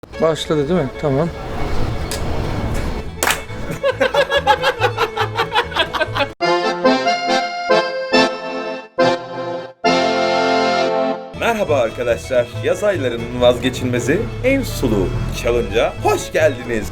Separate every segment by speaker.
Speaker 1: Başladı değil mi? Tamam.
Speaker 2: Merhaba arkadaşlar, yaz aylarının vazgeçilmezi en sulu challenge'a hoş geldiniz.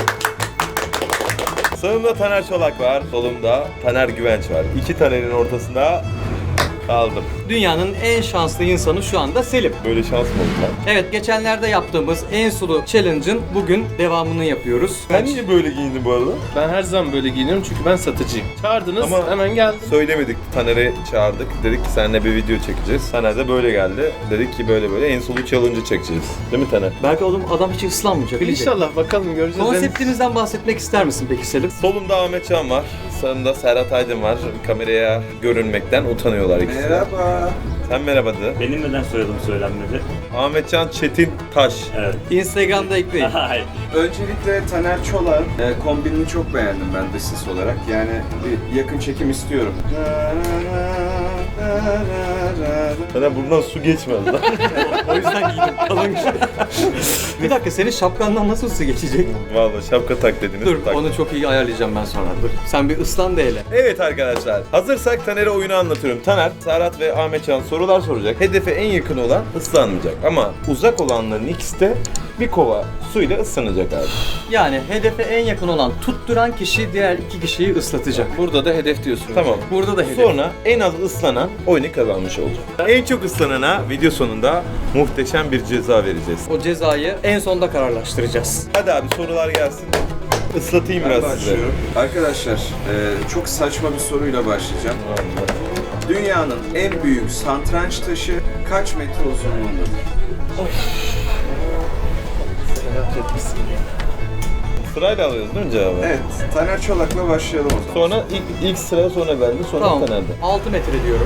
Speaker 2: Sağımda Taner Çolak var, solumda Taner Güvenç var. İki Taner'in ortasında kaldım.
Speaker 3: Dünyanın en şanslı insanı şu anda Selim.
Speaker 2: Böyle şans mı oldu lan?
Speaker 3: Evet, geçenlerde yaptığımız en sulu challenge'ın bugün devamını yapıyoruz.
Speaker 2: Ben niye böyle giyindin bu arada?
Speaker 4: Ben her zaman böyle giyiniyorum çünkü ben satıcıyım. Çağırdınız
Speaker 2: Ama
Speaker 4: hemen geldim.
Speaker 2: Söylemedik, Taner'i çağırdık. Dedik ki seninle bir video çekeceğiz. Taner de böyle geldi. Dedik ki böyle en sulu challenge'ı çekeceğiz. Değil mi Taner?
Speaker 3: Belki oğlum adam hiç ıslanmayacak. bilecek.
Speaker 4: İnşallah bakalım göreceğiz.
Speaker 3: Konseptimizden bahsetmek ister misin peki Selim?
Speaker 2: Solumda Ahmet Can var. Sağımda Serhat Aydın var. Kameraya görünmekten utanıyorlar ikisi.
Speaker 5: Merhaba.
Speaker 2: Sen merhaba de.
Speaker 6: Benim neden soyadım söylenmedi?
Speaker 2: Ahmet Can Çetin Taş.
Speaker 6: Evet.
Speaker 3: Instagram'da ekleyin.
Speaker 6: Hayır.
Speaker 5: Öncelikle Taner Çolak'ın kombinini çok beğendim ben de ses olarak. Yani bir yakın çekim istiyorum.
Speaker 2: Taner buradan su geçmez lan.
Speaker 3: O yüzden giydim kalın. Bir dakika, senin şapkandan nasıl su geçecek?
Speaker 2: Vallahi şapka tak dediniz.
Speaker 3: Dur,
Speaker 2: tak.
Speaker 3: onu çok iyi ayarlayacağım ben sonra. Dur. Sen bir ıslan da hele.
Speaker 2: Evet arkadaşlar, hazırsak Taner'e oyunu anlatıyorum. Taner, Serhat ve Ahmet Can sorular soracak. Hedefe en yakın olan ıslanmayacak. Ama uzak olanların ikisi de bir kova suyla ıslanacak abi.
Speaker 3: Yani hedefe en yakın olan tutturan kişi diğer iki kişiyi ıslatacak.
Speaker 4: Burada da hedef diyorsunuz.
Speaker 2: Tamam.
Speaker 3: Burada da hedef.
Speaker 2: Sonra en az ıslanan oyunu kazanmış olacak. En çok ıslanana video sonunda muhteşem bir ceza vereceğiz.
Speaker 3: O cezayı en sonda kararlaştıracağız.
Speaker 2: Hadi abi sorular gelsin. Islatayım
Speaker 5: Ben
Speaker 2: biraz size.
Speaker 5: başlıyorum. Arkadaşlar çok saçma bir soruyla başlayacağım. Dünyanın en büyük satranç taşı kaç metre uzunluğundadır?
Speaker 2: Sırayla alıyoruz değil mi cevabı?
Speaker 5: Evet, Taner Çolak'la başlayalım o zaman.
Speaker 2: Sonra ilk sıra sonra bende, sonra
Speaker 3: Tamam.
Speaker 2: Taner'de.
Speaker 3: 6 metre diyorum.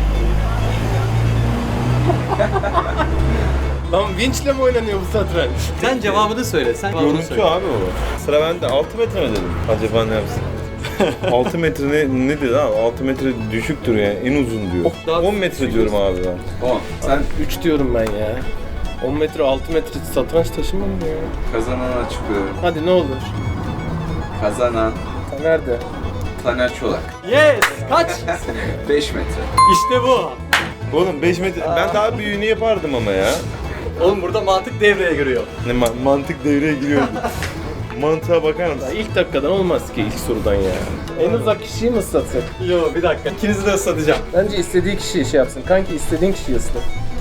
Speaker 4: Lan vinçle mi oynanıyor bu satranç?
Speaker 3: Sen cevabını söyle. Sen cevabını
Speaker 2: Görüntü
Speaker 3: söyle.
Speaker 2: abi o. Sıra bende. 6 metre mi dedim? Acaba ne yapsın? 6 metre ne dedi abi? 6 metre düşüktür yani. En uzun diyor.
Speaker 3: Daha
Speaker 2: 10 metre diyorum abi ben.
Speaker 5: 10. Sen
Speaker 4: 3 diyorum ben ya. 10 metre 6 metre satranç taşımam mı ya?
Speaker 5: kazananı açıklıyorum.
Speaker 4: Hadi ne olur.
Speaker 5: Kazanan
Speaker 4: Nerede?
Speaker 5: Taner Çolak.
Speaker 3: Yes! Kaç?
Speaker 5: 5 metre.
Speaker 3: İşte bu.
Speaker 2: Oğlum 5 metre. Ben daha büyüğünü yapardım ama ya.
Speaker 3: Oğlum burada mantık devreye giriyor.
Speaker 2: Ne mantık devreye giriyordu. Mantığa bakar
Speaker 4: Ya
Speaker 2: mısın?
Speaker 4: ilk dakikadan olmaz ki ilk sorudan ya. En uzak kişiyi mi ıslatsak?
Speaker 3: Yo, bir dakika. İkinizi de ıslatacağım.
Speaker 4: Bence istediği kişiyi şey yapsın. Kanki istediğin kişiyi ıslat.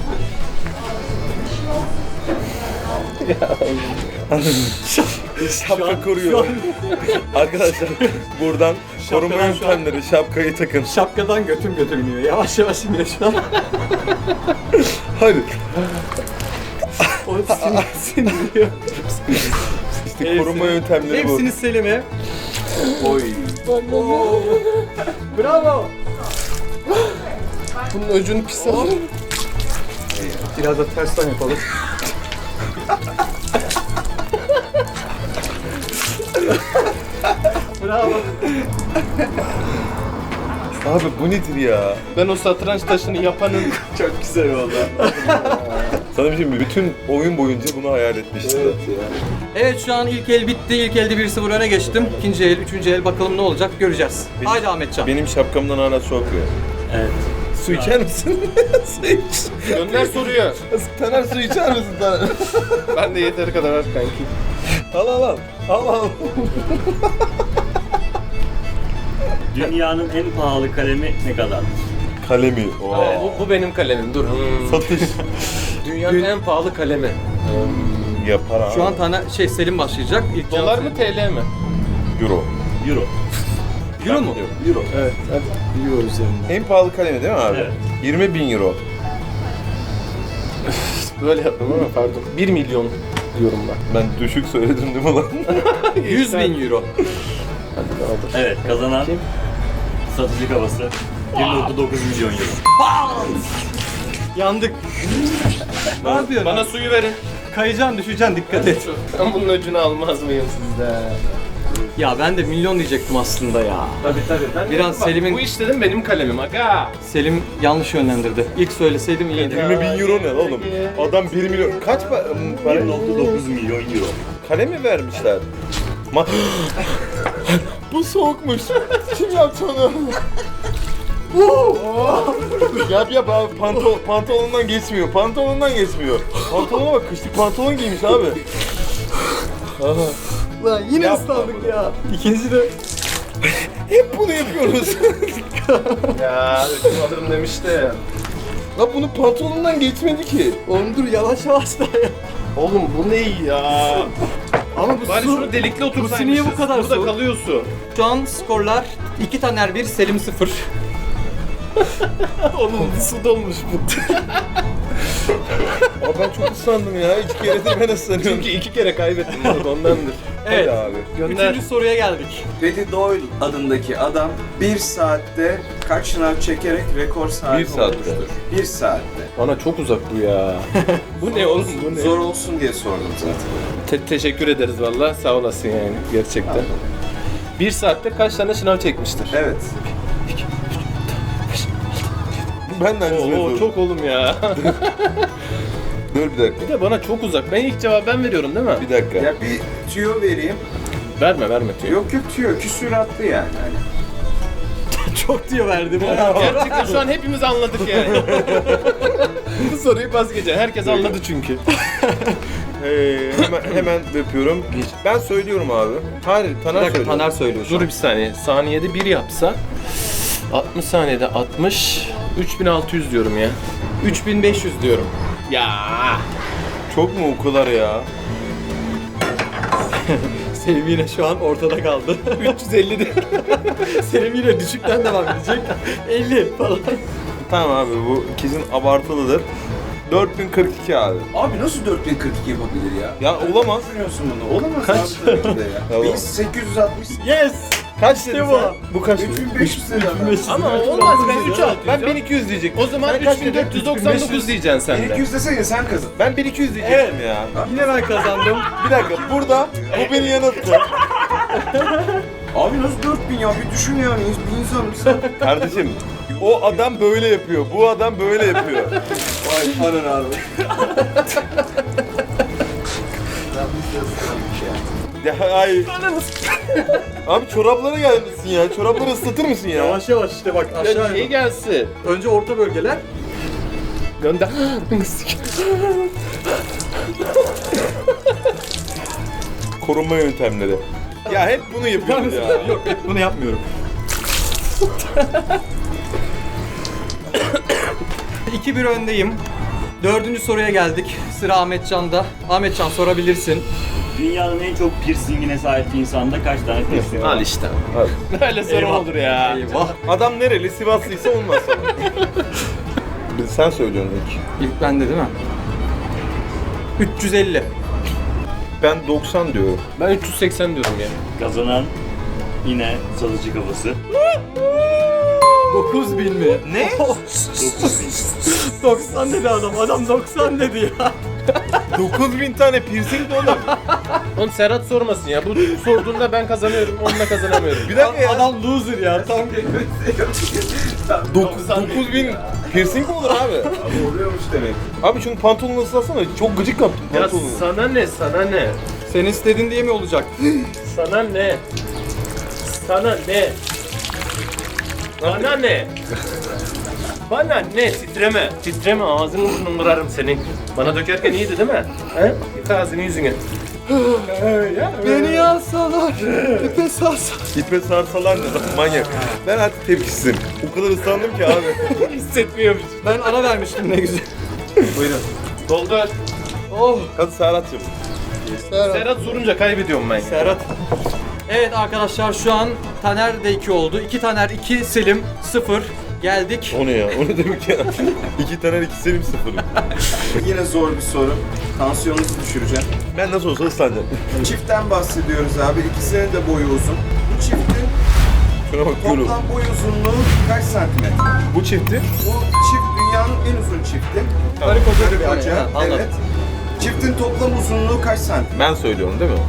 Speaker 2: Şapka koruyor. Arkadaşlar buradan koruma
Speaker 3: Şapkadan şu an-
Speaker 2: yöntemleri, şapkayı takın.
Speaker 3: Şapkadan götüm iniyor. Yavaş yavaş iniyor şu an.
Speaker 2: Hadi.
Speaker 3: O sinirliyor.
Speaker 2: İşte koruma yöntemleri bu.
Speaker 3: Hepsini Selim'e.
Speaker 5: Oy.
Speaker 3: Bravo.
Speaker 4: Bunun ucunu pis al.
Speaker 3: Biraz da tersten yapalım. Bravo.
Speaker 2: Abi bu nedir ya?
Speaker 4: Ben o satranç taşını yapanın
Speaker 5: Çok güzel oldu.
Speaker 2: Sana bir şey mi? Bütün oyun boyunca bunu hayal etmiştim.
Speaker 3: Evet, şu an ilk el bitti. İlk elde 1-0 öne geçtim. İkinci el, üçüncü el bakalım ne olacak göreceğiz. Haydi Ahmetcan.
Speaker 2: Benim şapkamdan hala su akıyor.
Speaker 6: Evet.
Speaker 2: Su içer misin? Su iç.
Speaker 4: gönder soruyu.
Speaker 2: Taner su içer misin Taner?
Speaker 4: Ben de yeteri kadar var kanki.
Speaker 2: Al al al. Al al.
Speaker 6: Dünyanın en pahalı kalemi ne kadardır?
Speaker 2: Kalemi. Oo.
Speaker 4: Bu benim kalemim dur.
Speaker 2: Satış.
Speaker 4: Dünyanın en pahalı kalemi.
Speaker 2: Yapar abi.
Speaker 3: Şu an Selim başlayacak. İlk
Speaker 4: Dolar
Speaker 3: cevap
Speaker 4: mı TL mi?
Speaker 2: Euro.
Speaker 6: Euro.
Speaker 3: Selim. Euro mu?
Speaker 5: Euro.
Speaker 4: Evet hadi.
Speaker 3: Euro üzerinde.
Speaker 2: En pahalı kalemi değil mi abi?
Speaker 6: Evet.
Speaker 2: 20.000 euro.
Speaker 4: Böyle yaptım ama pardon. 1 milyon diyorum ben.
Speaker 2: Ben düşük söyledim değil mi lan?
Speaker 3: 100.000 euro.
Speaker 4: Hadi ne olur.
Speaker 6: Evet, kazanan
Speaker 4: Kim?
Speaker 6: satıcı kafası. 1.9 milyon euro.
Speaker 3: Yandık. Ne yapıyorsun?
Speaker 4: Bana suyu verin.
Speaker 3: Kayacaksın, düşeceksin, dikkat et.
Speaker 4: Ben bunun öcünü almaz mıyım sizde?
Speaker 3: Ya ben de milyon diyecektim aslında ya.
Speaker 4: Tabii.
Speaker 3: Biraz Selim'in-
Speaker 4: Bu iş dedim benim kalemim aga.
Speaker 3: Selim yanlış yönlendirdi. İlk söyleseydim iyiydi.
Speaker 2: 20 bin euro ne oğlum? Adam 1 milyon... Kaç para?
Speaker 6: 1.9 milyon euro.
Speaker 2: Kale mi vermişler? Bu soğukmuş. Kim yaptı onu? yap abi pantolonundan geçmiyor. Pantolonuna bak, kışlık pantolon giymiş abi.
Speaker 3: Lan yine
Speaker 2: Yapma
Speaker 3: ıslandık
Speaker 2: bunu.
Speaker 3: ya. İkinci de
Speaker 2: Hep bunu yapıyoruz.
Speaker 4: Ya ödüm alırım demişti.
Speaker 2: Lan bunun pantolonundan geçmedi ki.
Speaker 3: oğlum dur yavaş yavaş da ya.
Speaker 4: Oğlum bu ne ya?
Speaker 3: Ama bu
Speaker 4: Bari
Speaker 3: su.
Speaker 4: şunu delikli otursaymışız.
Speaker 3: niye bu kadar
Speaker 4: Burada
Speaker 3: soğuk?
Speaker 4: kalıyor su.
Speaker 3: Şu an skorlar 2 Taner 1, Selim 0.
Speaker 4: Oğlum su dolmuş bu.
Speaker 2: Abi ben çok ıslandım ya. 2 keredir ben ıslanıyorum.
Speaker 4: Çünkü 2 kere kaybettim bunu ondandır.
Speaker 3: Evet.
Speaker 2: Hadi abi.
Speaker 4: Gönder.
Speaker 3: 3. soruya geldik.
Speaker 5: Eddie Doyle adındaki adam 1 saatte kaç şınav çekerek rekor sahibi
Speaker 2: 1 saatte.
Speaker 5: olmuştur? 1 saatte.
Speaker 4: Bana çok uzak bu ya. Bu ne oğlum bu ne?
Speaker 5: Zor olsun diye sordum zaten.
Speaker 4: Teşekkür ederiz valla sağ olasın yani gerçekten. 1 saatte kaç tane şınav çekmiştir?
Speaker 5: Evet.
Speaker 2: Ben de aynısını
Speaker 4: Oo
Speaker 2: yapıyorum.
Speaker 4: çok oğlum ya.
Speaker 2: Dur bir dakika.
Speaker 4: Bir de bana çok uzak. Ben ilk cevabı ben veriyorum değil mi?
Speaker 2: Bir dakika.
Speaker 5: Ya bir tüyo vereyim.
Speaker 4: Verme tüyo.
Speaker 5: Yok tüyo. Küsuratlı yani. Hani.
Speaker 3: Çok diyor verdim.
Speaker 4: Gerçekten şu an hepimiz anladık yani. Bu soruyu pas geçelim. Herkes anladı çünkü.
Speaker 2: Hemen yapıyorum. Ben söylüyorum abi. Hayır,
Speaker 3: Bir
Speaker 2: Taner
Speaker 3: dakika
Speaker 2: söylüyor.
Speaker 3: Taner söylüyor şu
Speaker 4: Dur
Speaker 3: an.
Speaker 4: bir saniye. Saniyede 1 yapsa 60 saniyede 60 3600 diyorum ya.
Speaker 3: 3500 diyorum.
Speaker 4: Ya.
Speaker 2: Çok mu o kadar ya?
Speaker 3: Selim yine şu an ortada kaldı.
Speaker 4: 350 de.
Speaker 3: Selim yine düşükten devam edecek. 50 falan.
Speaker 2: Tamam abi bu kesin abartılıdır. 4042 abi.
Speaker 5: Abi nasıl 4042 yapabilir ya?
Speaker 2: Ya olamaz.
Speaker 5: Düşünüyorsun bunu. Olamaz
Speaker 2: Kaç?
Speaker 5: abi tabii ki de ya.
Speaker 2: Tamam.
Speaker 5: 1860.
Speaker 3: Yes!
Speaker 2: Kaç dedin
Speaker 3: bu.
Speaker 2: sen? Bu kaç?
Speaker 5: 3500 lira.
Speaker 4: Ama olmaz ben 3 alt.
Speaker 2: Ben 1200 diyecektim.
Speaker 4: O zaman
Speaker 2: Sen kaç dedin?
Speaker 4: 3499 diyeceksin sen de.
Speaker 5: 1200 desene sen kazan.
Speaker 2: Ben 1200 diyecektim ya.
Speaker 3: Yine ben kazandım.
Speaker 2: Bir dakika burada bu beni yanılttı.
Speaker 5: Abi nasıl 4000 ya? Bir düşün yani. Bir insan mısın?
Speaker 2: Kardeşim o adam böyle yapıyor. Bu adam böyle yapıyor.
Speaker 5: Vay anan abi.
Speaker 2: Ya ay. Abi çoraplara gelmişsin ya. Çorapları ıslatır mısın ya?
Speaker 3: Yavaş yavaş işte bak aşağı.
Speaker 4: İyi gelsin.
Speaker 3: Önce orta bölgeler.
Speaker 4: Gönder.
Speaker 2: Korunma yöntemleri. Ya hep bunu yapıyoruz ya.
Speaker 3: Yok bunu yapmıyorum. 2-1 öndeyim. 4. soruya geldik. Sıra Ahmetcan'da. Ahmetcan sorabilirsin.
Speaker 6: Dünyanın en çok piercingine sahip insanda kaç tane piercing var?
Speaker 4: Al işte. Böyle soru
Speaker 3: Eyvah.
Speaker 4: olur ya.
Speaker 3: Eyvah.
Speaker 2: Adam nereli? Sivaslıysa olmaz sana. Sen söylüyorsun ilk.
Speaker 3: İlk bende değil mi? 350.
Speaker 2: Ben 90 diyorum.
Speaker 4: Ben 380 diyorum ya.
Speaker 6: Kazanan yine salıcı kafası.
Speaker 3: 9000 mi?
Speaker 2: Ne?
Speaker 3: 90 dedi adam. Adam 90 dedi ya.
Speaker 2: 9000 tane piercing de olur.
Speaker 4: Oğlum Serhat sormasın ya. Bu sorduğunda ben kazanıyorum, onunla kazanamıyorum.
Speaker 2: Bir dakika ya.
Speaker 3: Adam loser ya. Tam
Speaker 2: 9000 piercing mi olur abi?
Speaker 5: Abi oluyormuş demek.
Speaker 2: Abi şunu pantolonu ıslatsana. Çok gıcık yaptın
Speaker 4: Ya
Speaker 2: pantolonu.
Speaker 4: sana ne, sana ne?
Speaker 3: sen istedin diye mi olacak?
Speaker 4: Sana ne? Sana ne? Bana ne? Bana ne? Titreme. Titreme, ağzını burnunu kırarım senin. Bana dökerken iyiydi değil mi? He? Yıka ağzını yüzünü.
Speaker 3: Beni yazsalar. İpe sarsalar.
Speaker 2: İpe sarsalar ne lan manyak. Ben artık tepkisizim. O kadar ıslandım ki abi.
Speaker 4: Hissetmiyormuş.
Speaker 3: Ben ara vermiştim ne güzel.
Speaker 2: Buyurun.
Speaker 4: Doldur.
Speaker 3: Oh.
Speaker 2: Hadi Serhat'cığım.
Speaker 4: Serhat sorunca kaybediyorum ben.
Speaker 3: Serhat. Evet arkadaşlar şu an Taner de 2 oldu. 2 Taner 2, Selim 0. Geldik.
Speaker 2: O ne ya? O ne demek ya? 2 tane 2 Selim 0.
Speaker 5: Yine zor bir soru. Tansiyonunuzu düşüreceğim.
Speaker 2: Ben nasıl olsa ıslanacağım.
Speaker 5: Çiftten bahsediyoruz abi. İkisinin de boyu uzun. Bu çiftin
Speaker 2: Şuna bak böyle.
Speaker 5: toplam boy uzunluğu kaç santimetre?
Speaker 2: Bu çifti.
Speaker 5: Bu çift dünyanın en uzun çifti.
Speaker 3: Karı koca
Speaker 5: Karı
Speaker 3: gibi yani.
Speaker 5: koca,
Speaker 3: Ha, anladım.
Speaker 5: evet. Çiftin toplam uzunluğu kaç santim?
Speaker 2: Ben söylüyorum değil mi?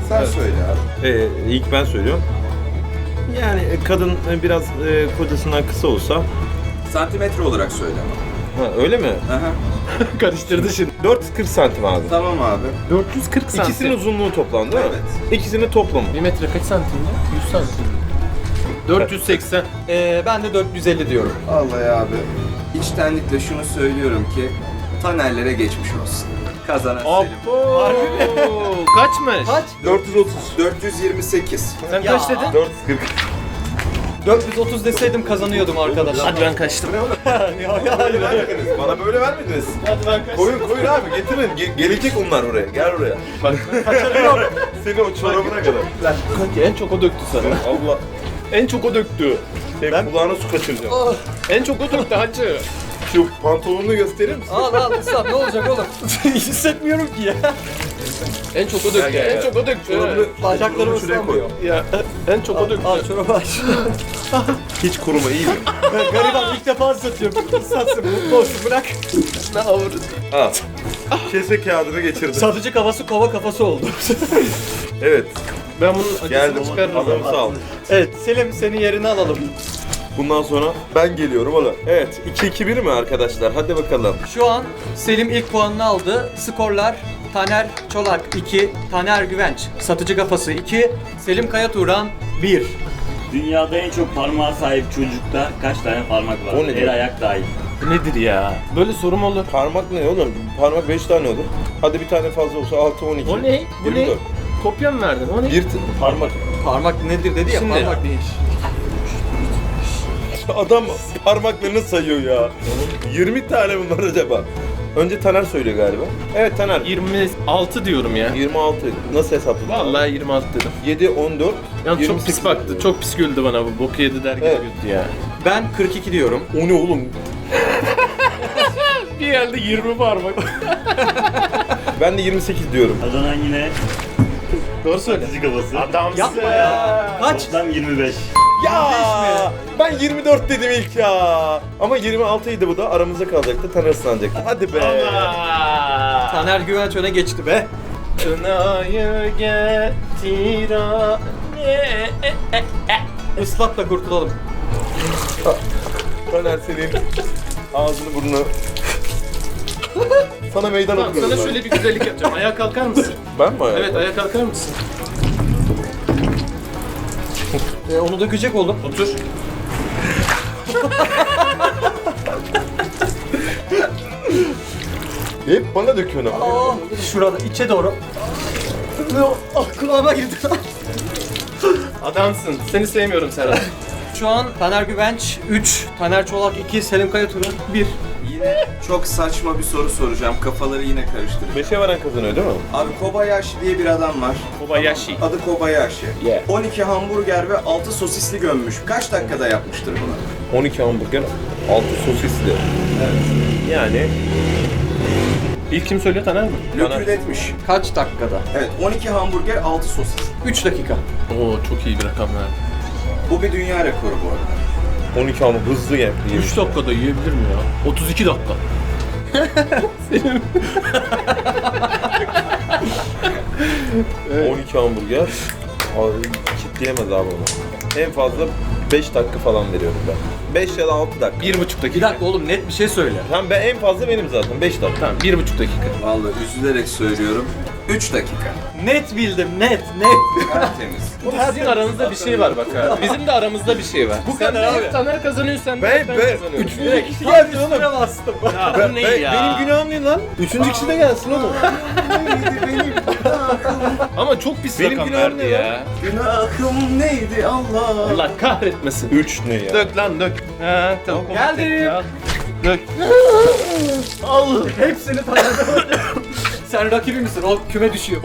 Speaker 5: Sen söyle abi.
Speaker 2: İlk ben söylüyorum. Yani kadın biraz kocasından kısa olsa.
Speaker 5: Santimetre olarak söyle ama.
Speaker 2: Ha, öyle mi?
Speaker 5: Aha.
Speaker 4: Karıştırdı şimdi.
Speaker 2: 440 santim abi.
Speaker 5: Tamam abi.
Speaker 4: 440 santim.
Speaker 2: İkisinin uzunluğu toplam değil mi?
Speaker 5: Evet.
Speaker 2: İkisinin toplamı.
Speaker 4: 1 metre kaç santimde? 100 santim. 480.
Speaker 3: Ben de 450 diyorum.
Speaker 5: Vallahi abi. İçtenlikle şunu söylüyorum ki Taner'lere geçmiş olsun. Kazanan Selim.
Speaker 4: Kaçmış?
Speaker 3: Kaç?
Speaker 2: 430.
Speaker 5: 428.
Speaker 4: Sen kaç dedin?
Speaker 2: 440.
Speaker 3: 430 deseydim kazanıyordum arkadaşlar.
Speaker 4: Hadi ben kaçtım.
Speaker 2: Vermediniz. Bana böyle vermediniz.
Speaker 4: Hadi ben kaçtım.
Speaker 2: Koyun abi getirin. Gelecek onlar buraya. Gel buraya.
Speaker 4: Bak
Speaker 2: Seni o çorabına kadar.
Speaker 4: en çok o döktü sana.
Speaker 2: Allah.
Speaker 4: En çok o döktü.
Speaker 2: Ben kulağına su kaçıracağım.
Speaker 4: En çok o döktü hacı.
Speaker 2: Şu pantolonunu gösterir misin?
Speaker 3: Al ıslat ne olacak oğlum? Hissetmiyorum ki ya.
Speaker 4: En çok o döktü.
Speaker 2: Gel.
Speaker 4: En çok o döktü.
Speaker 3: Bacaklarım
Speaker 2: Çorabını şuraya koy.
Speaker 3: ıslanmıyor.
Speaker 4: Ya en çok o döktü.
Speaker 3: Al çorabı aç.
Speaker 2: Hiç kuruma iyi mi?
Speaker 3: Gariban ilk defa ıslatıyorum. Islatsın mutlu olsun bırak.
Speaker 4: Ne avurdu?
Speaker 2: Al. Kese kağıdını geçirdim.
Speaker 3: Satıcı kafası kova kafası oldu.
Speaker 2: Evet.
Speaker 4: Ben bunun acısını
Speaker 2: Geldim.
Speaker 4: çıkarırım.
Speaker 2: Adamı sağ ol.
Speaker 3: Evet Selim senin yerini alalım.
Speaker 2: Bundan sonra ben geliyorum oğlum. Evet. 2-2-1 mi arkadaşlar? Hadi bakalım.
Speaker 3: Şu an Selim ilk puanını aldı. Skorlar Taner Çolak 2, Taner Güvenç satıcı kafası 2, Selim Kaya Turan 1.
Speaker 6: Dünyada en çok parmağa sahip çocukta kaç tane parmak var?
Speaker 2: O nedir?
Speaker 6: El ayak dahil.
Speaker 4: Bu nedir ya? Böyle soru mu olur?
Speaker 2: Parmak ne oğlum? Parmak 5 tane olur. Hadi bir tane fazla olsa 6-12.
Speaker 4: O ne? Bu ne?
Speaker 2: 24.
Speaker 4: Kopya mı verdin? O ne?
Speaker 2: Bir parmak.
Speaker 3: Parmak nedir dedi ya
Speaker 4: Şimdi-
Speaker 3: parmak değil.
Speaker 2: Adam parmaklarını sayıyor ya. 20 tane bunlar acaba. Önce Taner söylüyor galiba. Evet Taner.
Speaker 4: 26 diyorum ya.
Speaker 2: 26. Nasıl hesapladın?
Speaker 4: Vallahi 26 dedim.
Speaker 2: 7, 14.
Speaker 4: Yani çok
Speaker 2: 28
Speaker 4: pis baktı. Çok pis güldü bana bu. Boku yedi der gibi
Speaker 2: Evet.
Speaker 4: güldü ya.
Speaker 3: Ben 42 diyorum.
Speaker 2: O ne oğlum?
Speaker 4: Bir yerde 20 parmak.
Speaker 2: Ben de 28 diyorum.
Speaker 6: Kazanan yine
Speaker 4: Doğru söyle.
Speaker 6: satıcı kafası.
Speaker 4: Adamsın.
Speaker 3: Yapma ya. Kaç?
Speaker 6: Toplam 25.
Speaker 2: Ya ben 24 dedim ilk ya. Ama 26 idi bu da aramızda kalacaktı. Taner ıslanacaktı. Hadi be.
Speaker 3: Taner Güvenç öne geçti be.
Speaker 4: Kınayı getir
Speaker 3: Islat da kurtulalım.
Speaker 2: Taner senin ağzını burnunu. Sana meydan
Speaker 4: Tamam,
Speaker 2: okuyorum.
Speaker 4: sana şöyle bir güzellik yapacağım. Ayağa kalkar mısın?
Speaker 2: Ben mi ayağa?
Speaker 4: Evet, ayağa kalkar mısın?
Speaker 3: Onu dökecek oğlum.
Speaker 4: Otur.
Speaker 2: Hep bana döküyorsun ama.
Speaker 3: Aa, şurada içe doğru. Ah kulağıma girdi.
Speaker 4: Adamsın. Seni sevmiyorum Serhat.
Speaker 3: Şu an Taner Güvenç 3, Taner Çolak 2, Selim Kaya Turan 1.
Speaker 5: Yine çok saçma bir soru soracağım. Kafaları yine karıştıracak.
Speaker 2: 5'e varan kazanıyor değil mi?
Speaker 5: Abi Kobayashi diye bir adam var.
Speaker 4: Kobayashi.
Speaker 5: Adı Kobayashi.
Speaker 2: Yeah.
Speaker 5: 12 hamburger ve 6 sosisli gömmüş. Kaç dakikada yapmıştır bunu?
Speaker 2: 12 hamburger, 6 sosisli. Yani
Speaker 4: İlk kim söylüyor, Taner mi?
Speaker 5: Lökül etmiş.
Speaker 3: Kaç dakikada?
Speaker 5: Evet 12 hamburger 6 sosis.
Speaker 3: 3 dakika.
Speaker 4: Oo, çok iyi bir rakam verdi.
Speaker 5: Bu bir dünya rekoru bu arada.
Speaker 2: 12 hamburger hızlı yemiş.
Speaker 4: 3 dakikada yiyebilir mi ya? 32 dakika. Senin
Speaker 2: 12 hamburger. Abi, kitleyemez abi onu. En fazla 5 dakika falan veriyorum ben. 5 ya da 6 dakika.
Speaker 4: 1,5
Speaker 3: Bir
Speaker 4: dakika.
Speaker 3: dakika oğlum net bir şey söyle.
Speaker 2: Tamam ben en fazla benim zaten 5 dakika.
Speaker 4: Tamam, 1,5 dakika.
Speaker 5: Vallahi üzülerek söylüyorum. 3 dakika.
Speaker 3: Net bildim net.
Speaker 5: Tertemiz.
Speaker 4: Sizin aranızda bir şey var bak ha. Bizim de aramızda bir şey var.
Speaker 3: Bu
Speaker 4: Sen
Speaker 3: kadar
Speaker 4: de
Speaker 3: abi.
Speaker 4: hep Taner kazanıyor, sen de
Speaker 2: Ben-
Speaker 4: hep ben
Speaker 2: ben-
Speaker 4: kazanıyorum.
Speaker 2: üçüncü
Speaker 3: Kişi geldi oğlum. Bastım.
Speaker 4: Ya bu ne ya?
Speaker 2: Benim günahım ne lan? 3. kişi de gelsin oğlum.
Speaker 4: Ama çok pis
Speaker 2: Benim
Speaker 4: rakam
Speaker 2: günahım
Speaker 4: verdi
Speaker 2: ne
Speaker 4: ya.
Speaker 5: Günahım neydi Allah?
Speaker 4: Allah kahretmesin.
Speaker 2: 3 ne ya?
Speaker 4: Dök lan dök. Ha, tamam.
Speaker 3: Geldim.
Speaker 4: Ya. Dök.
Speaker 3: Al. Hepsini tanıdım. Sen rakibi misin? O küme düşüyor.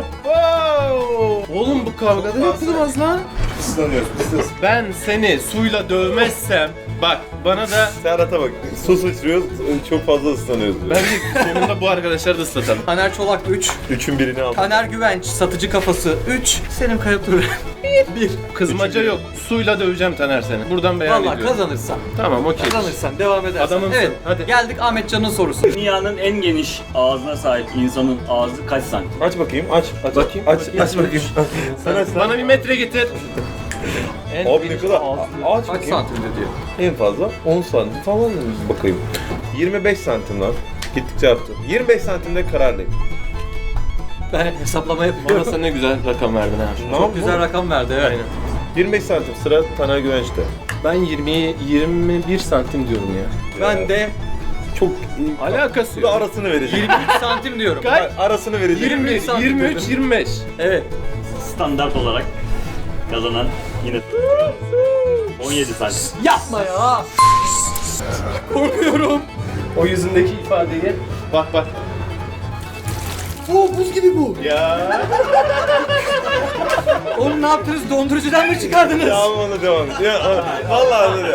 Speaker 4: Oğlum bu kavgada yapılmaz lan.
Speaker 5: Islanıyoruz.
Speaker 4: Ben seni suyla dövmezsem Bak bana da
Speaker 2: Serhat'a bak. Su sıçrıyoruz, çok fazla ıslanıyoruz diyor.
Speaker 4: bence sonunda bu arkadaşları da ıslatalım.
Speaker 3: Taner Çolak 3,
Speaker 2: Üçün birini aldım.
Speaker 3: Taner Güvenç, Satıcı Kafası 3, Selim Kaya Turan 1.
Speaker 4: Kızmaca yok. Suyla döveceğim Taner seni. Buradan beyan
Speaker 3: Valla
Speaker 4: ediyorum.
Speaker 3: kazanırsan.
Speaker 4: Tamam okey.
Speaker 3: Kazanırsan devam edersen.
Speaker 4: Adamımsın,
Speaker 3: Evet.
Speaker 4: hadi.
Speaker 3: Geldik Ahmetcan'ın sorusu.
Speaker 6: Dünyanın en geniş ağzına sahip insanın ağzı kaç santim?
Speaker 2: Aç bakayım, aç.
Speaker 4: Bakayım.
Speaker 2: Aç bakayım. Sen aç lan.
Speaker 4: Bana bir metre getir.
Speaker 2: Abi ne kadar? Aç
Speaker 3: Kaç
Speaker 2: bakayım.
Speaker 3: santimde diyor.
Speaker 2: En fazla 10 santim falan mı? Bakayım. 25 santim lan. Gittikçe arttı. 25 santimde kararlıyım.
Speaker 3: Ben hesaplama
Speaker 4: Bana
Speaker 3: yapıyorum.
Speaker 4: sen ne güzel rakam verdin ha.
Speaker 3: Çok güzel rakam verdi evet.
Speaker 4: Aynen.
Speaker 2: 25 santim sıra Taner Güvenç'te.
Speaker 4: Ben 21 santim diyorum ya.
Speaker 3: Ben de
Speaker 2: Çok
Speaker 4: Alakası
Speaker 2: Bu da
Speaker 4: yok.
Speaker 2: arasını vereceğim.
Speaker 3: 23 santim diyorum.
Speaker 4: Kaç?
Speaker 2: Arasını vereceğim.
Speaker 4: 21,
Speaker 3: santim
Speaker 4: 23,
Speaker 3: dedim.
Speaker 4: 25.
Speaker 3: Evet.
Speaker 6: Standart olarak kazanan yine 17 santim.
Speaker 3: Yapma ya. Korkuyorum.
Speaker 4: O yüzündeki ifadeyi bak bak.
Speaker 3: Oo buz gibi bu.
Speaker 4: Ya.
Speaker 3: Oğlum ne yaptınız? Dondurucudan mı çıkardınız?
Speaker 2: Tamam ona devam et. Ya, vallahi öyle.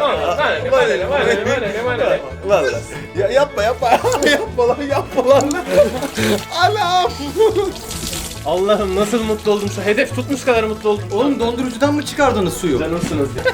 Speaker 2: Vallahi. Ya yapma. yapma lan. Anam.
Speaker 4: Allah'ım nasıl mutlu oldum şu hedef tutmuş kadar mutlu oldum.
Speaker 3: Oğlum dondurucudan mı çıkardınız suyu?
Speaker 4: Canımsınız ya.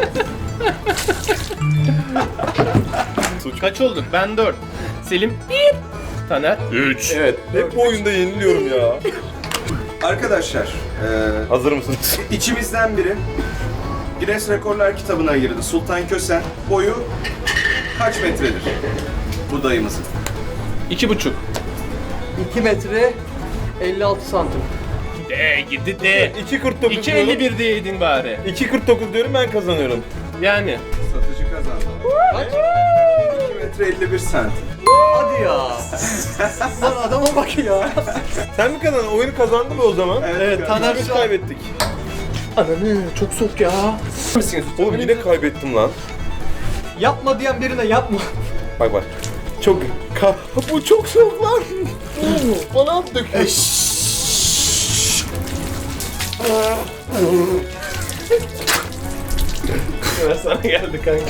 Speaker 4: Kaç olduk? Ben 4. Selim 1. Taner 3.
Speaker 2: Evet. Hep bu oyunda yeniliyorum ya.
Speaker 5: Arkadaşlar,
Speaker 2: Hazır mısınız?
Speaker 5: içimizden biri Guinness Rekorlar kitabına girdi. Sultan Kösen boyu kaç metredir? Bu dayımızın.
Speaker 4: 2,5.
Speaker 3: 2 metre 56 santim.
Speaker 4: De gidi de.
Speaker 2: 2.49 diyorum.
Speaker 4: 2,51 diyeydin bari.
Speaker 2: 2.49 diyorum ben kazanıyorum.
Speaker 4: Yani.
Speaker 5: Satıcı kazandı.
Speaker 3: Kaç?
Speaker 5: 2 metre 51 santim.
Speaker 3: Hadi ya. Lan adama bak ya.
Speaker 2: Sen mi kazandın? Oyunu kazandın mı o zaman?
Speaker 3: Evet Taner
Speaker 2: Biz
Speaker 3: şu an...
Speaker 2: kaybettik.
Speaker 4: Ananı çok soğuk ya.
Speaker 2: Oğlum yine kaybettim lan.
Speaker 3: Yapma diyen birine yapma.
Speaker 2: Bak. Çok... Bu çok soğuk lan. Bana at döküyor.
Speaker 4: Sana geldi kanka.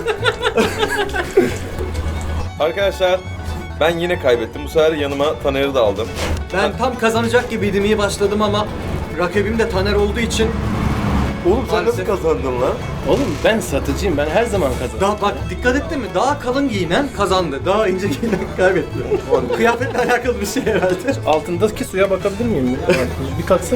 Speaker 2: Arkadaşlar ben yine kaybettim. Bu sefer yanıma Taner'i de aldım.
Speaker 3: Ben tam kazanacak gibiydim, iyi başladım ama rakibim de Taner olduğu için
Speaker 2: Oğlum sen
Speaker 3: Maalesef.
Speaker 2: nasıl kazandın lan?
Speaker 4: Oğlum ben satıcıyım. Ben her zaman kazanırım.
Speaker 3: daha bak dikkat ettin mi? Daha kalın giyinen kazandı. Daha ince giyinen kaybetti. Kıyafetle alakalı bir şey herhalde.
Speaker 4: Altındaki suya bakabilir miyim? Bir kalksana.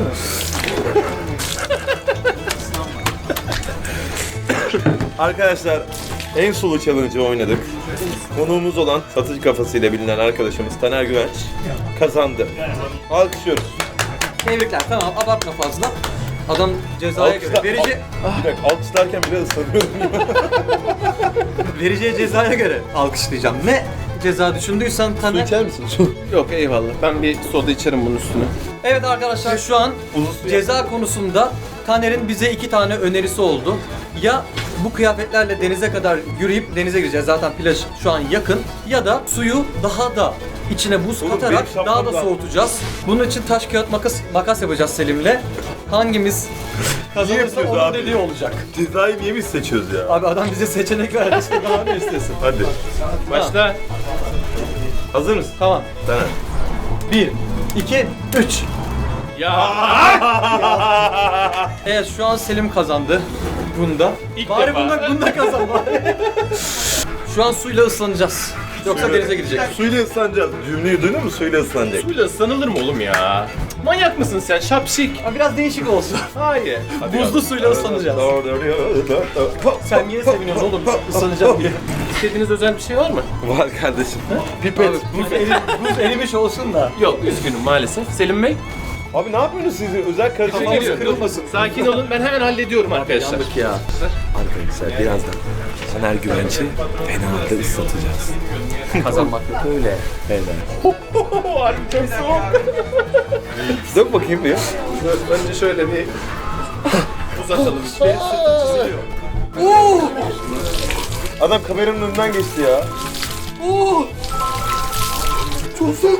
Speaker 2: Arkadaşlar en sulu challenge'ı oynadık. Konuğumuz olan satıcı kafasıyla bilinen arkadaşımız Taner Güvenç kazandı. Alkışlıyoruz.
Speaker 3: Tebrikler, tamam, abartma fazla. Adam cezaya göre vereceği,
Speaker 2: Bir dakika alkışlarken bile ıslanıyorum.
Speaker 3: vereceği cezaya göre alkışlayacağım. Ne ceza düşündüysen
Speaker 2: Su
Speaker 3: Taner.
Speaker 2: içer misin? Su.
Speaker 4: Yok eyvallah. Ben bir soda içerim bunun üstüne.
Speaker 3: Evet arkadaşlar, şu an ceza konusunda Taner'in bize 2 tane önerisi oldu. Ya bu kıyafetlerle denize kadar yürüyüp denize gireceğiz, zaten plaj şu an yakın, ya da suyu daha da içine buz
Speaker 2: Oğlum,
Speaker 3: katarak
Speaker 2: benim şapkam
Speaker 3: daha da
Speaker 2: var.
Speaker 3: soğutacağız. Bunun için taş kağıt makas yapacağız Selim'le. Hangimiz kazanırsa
Speaker 2: yapıyoruz
Speaker 3: onun
Speaker 2: abi?
Speaker 3: dediği olacak.
Speaker 2: Cezayı niye biz seçiyoruz ya?
Speaker 3: Abi adam bize seçenek verdi, işte daha ne istesin.
Speaker 2: Hadi.
Speaker 4: Başla.
Speaker 2: Hazır mısın?
Speaker 3: Tamam.
Speaker 2: Taner.
Speaker 3: 1, 2, 3.
Speaker 4: Ya.
Speaker 3: Evet, şu an Selim kazandı bunda.
Speaker 4: İlk
Speaker 3: Bari
Speaker 4: defa.
Speaker 3: bunda kazan bari. Şu an suyla ıslanacağız. Yoksa denize girecek.
Speaker 2: Suyla ıslanacağız. Cümleyi duydun mu? Suyla ıslanacak.
Speaker 4: Suyla ıslanılır mı oğlum ya? Manyak mısın sen? Şapşik.
Speaker 3: Ama biraz değişik olsun.
Speaker 4: Hayır.
Speaker 3: Buzlu suyla ıslanacağız. Sen niye seviniyorsun oğlum ıslanacağım diye?
Speaker 4: İstediğiniz özel bir şey var mı?
Speaker 2: Var kardeşim. Pipet.
Speaker 3: Abi buz erimiş olsun da.
Speaker 4: Yok üzgünüm maalesef. Selim Bey.
Speaker 2: Abi ne yapıyorsunuz siz? Özel karışık
Speaker 3: Kafamız
Speaker 2: geliyor.
Speaker 3: kırılmasın.
Speaker 4: Sakin olun. Ben hemen hallediyorum arkadaşlar.
Speaker 3: Yandık ya.
Speaker 2: Arkadaşlar birazdan Taner Güvenç'i fena halde ıslatacağız.
Speaker 3: Kazanmak yok öyle.
Speaker 4: Harbi çok soğuk.
Speaker 2: Dök bakayım bir.
Speaker 4: Önce şöyle bir uzatalım.
Speaker 2: Adam kameranın önünden geçti ya.
Speaker 3: Çok soğuk.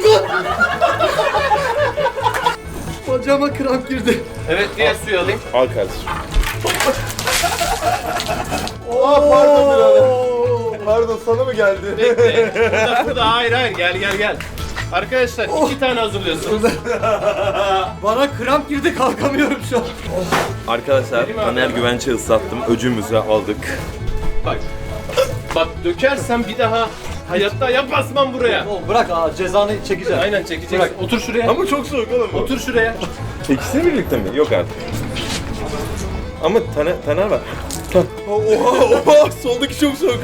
Speaker 3: Bacağıma kramp girdi.
Speaker 4: Evet diğer suyu alayım.
Speaker 2: Al kardeşim. Pardon birader. Pardon sana mı geldi?
Speaker 4: Bekle. Burada. Hayır. Gel. Arkadaşlar 2 tane hazırlıyorsunuz.
Speaker 3: Bana kramp girdi, kalkamıyorum şu an.
Speaker 2: Arkadaşlar
Speaker 4: Benim abi.
Speaker 2: Taner Güvenç'i ıslattım. Öcümüzü aldık.
Speaker 4: Bak dökersen bir daha hayatta yapmazmam buraya.
Speaker 3: Oğlum bırak cezanı çekeceğim.
Speaker 4: Aynen çekeceksin.
Speaker 3: Bırak.
Speaker 4: Otur şuraya.
Speaker 2: Ama çok soğuk oğlum bu.
Speaker 4: Otur şuraya.
Speaker 2: İkisini birlikte mi? Yok artık. Ama Taner var. Oha soldaki çok soğuk.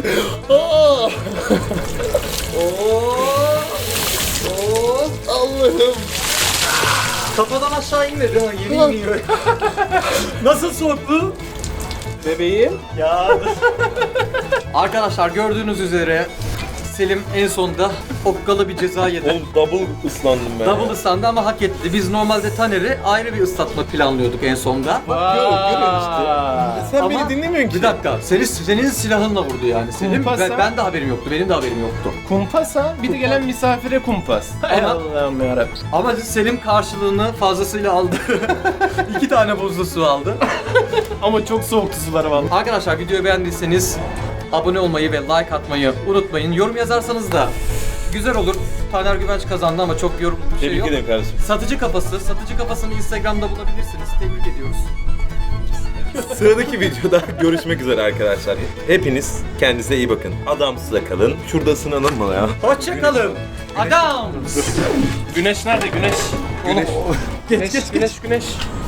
Speaker 2: Allah'ım.
Speaker 3: Kafadan aşağı inmedi ha, yemin iniyor. Nasıl soğuktu?
Speaker 4: Bebeğim.
Speaker 3: Ya. Arkadaşlar gördüğünüz üzere Selim en sonunda okkalı bir ceza yedi.
Speaker 2: Oğlum double ıslandım ben.
Speaker 3: Double ıslandı ama hak etti. Biz normalde Taner'i ayrı bir ıslatma planlıyorduk en sonda.
Speaker 2: Görün işte. Sen
Speaker 3: Ama
Speaker 2: beni dinlemiyorsun ki.
Speaker 3: Bir dakika, senin silahınla vurdu yani Selim.
Speaker 4: Kumpas ha?
Speaker 3: Ben de haberim yoktu, benim de haberim yoktu.
Speaker 4: Kumpas ha? Bir de gelen misafire kumpas. Hay
Speaker 3: Ama-
Speaker 4: Allah'ım yarabbim.
Speaker 3: Ama Selim karşılığını fazlasıyla aldı. 2 tane buzlu su aldı.
Speaker 4: Ama çok soğuktu suları vallahi.
Speaker 3: Arkadaşlar videoyu beğendiyseniz abone olmayı ve like atmayı unutmayın. Yorum yazarsanız da güzel olur. Taner Güvenç kazandı ama çok yorum bir şey
Speaker 2: Tebrik
Speaker 3: yok.
Speaker 2: ederim kardeşim.
Speaker 3: Satıcı kafasını Instagram'da bulabilirsiniz. Tebrik ediyoruz.
Speaker 2: Sıradaki videoda görüşmek üzere arkadaşlar. Hepiniz kendinize iyi bakın. Adamsızla kalın. Şurada ısınalım mı ya?
Speaker 3: Hoşçakalın. Adam.
Speaker 4: Güneş nerede? Güneş.
Speaker 3: Güneş.
Speaker 4: Güneş.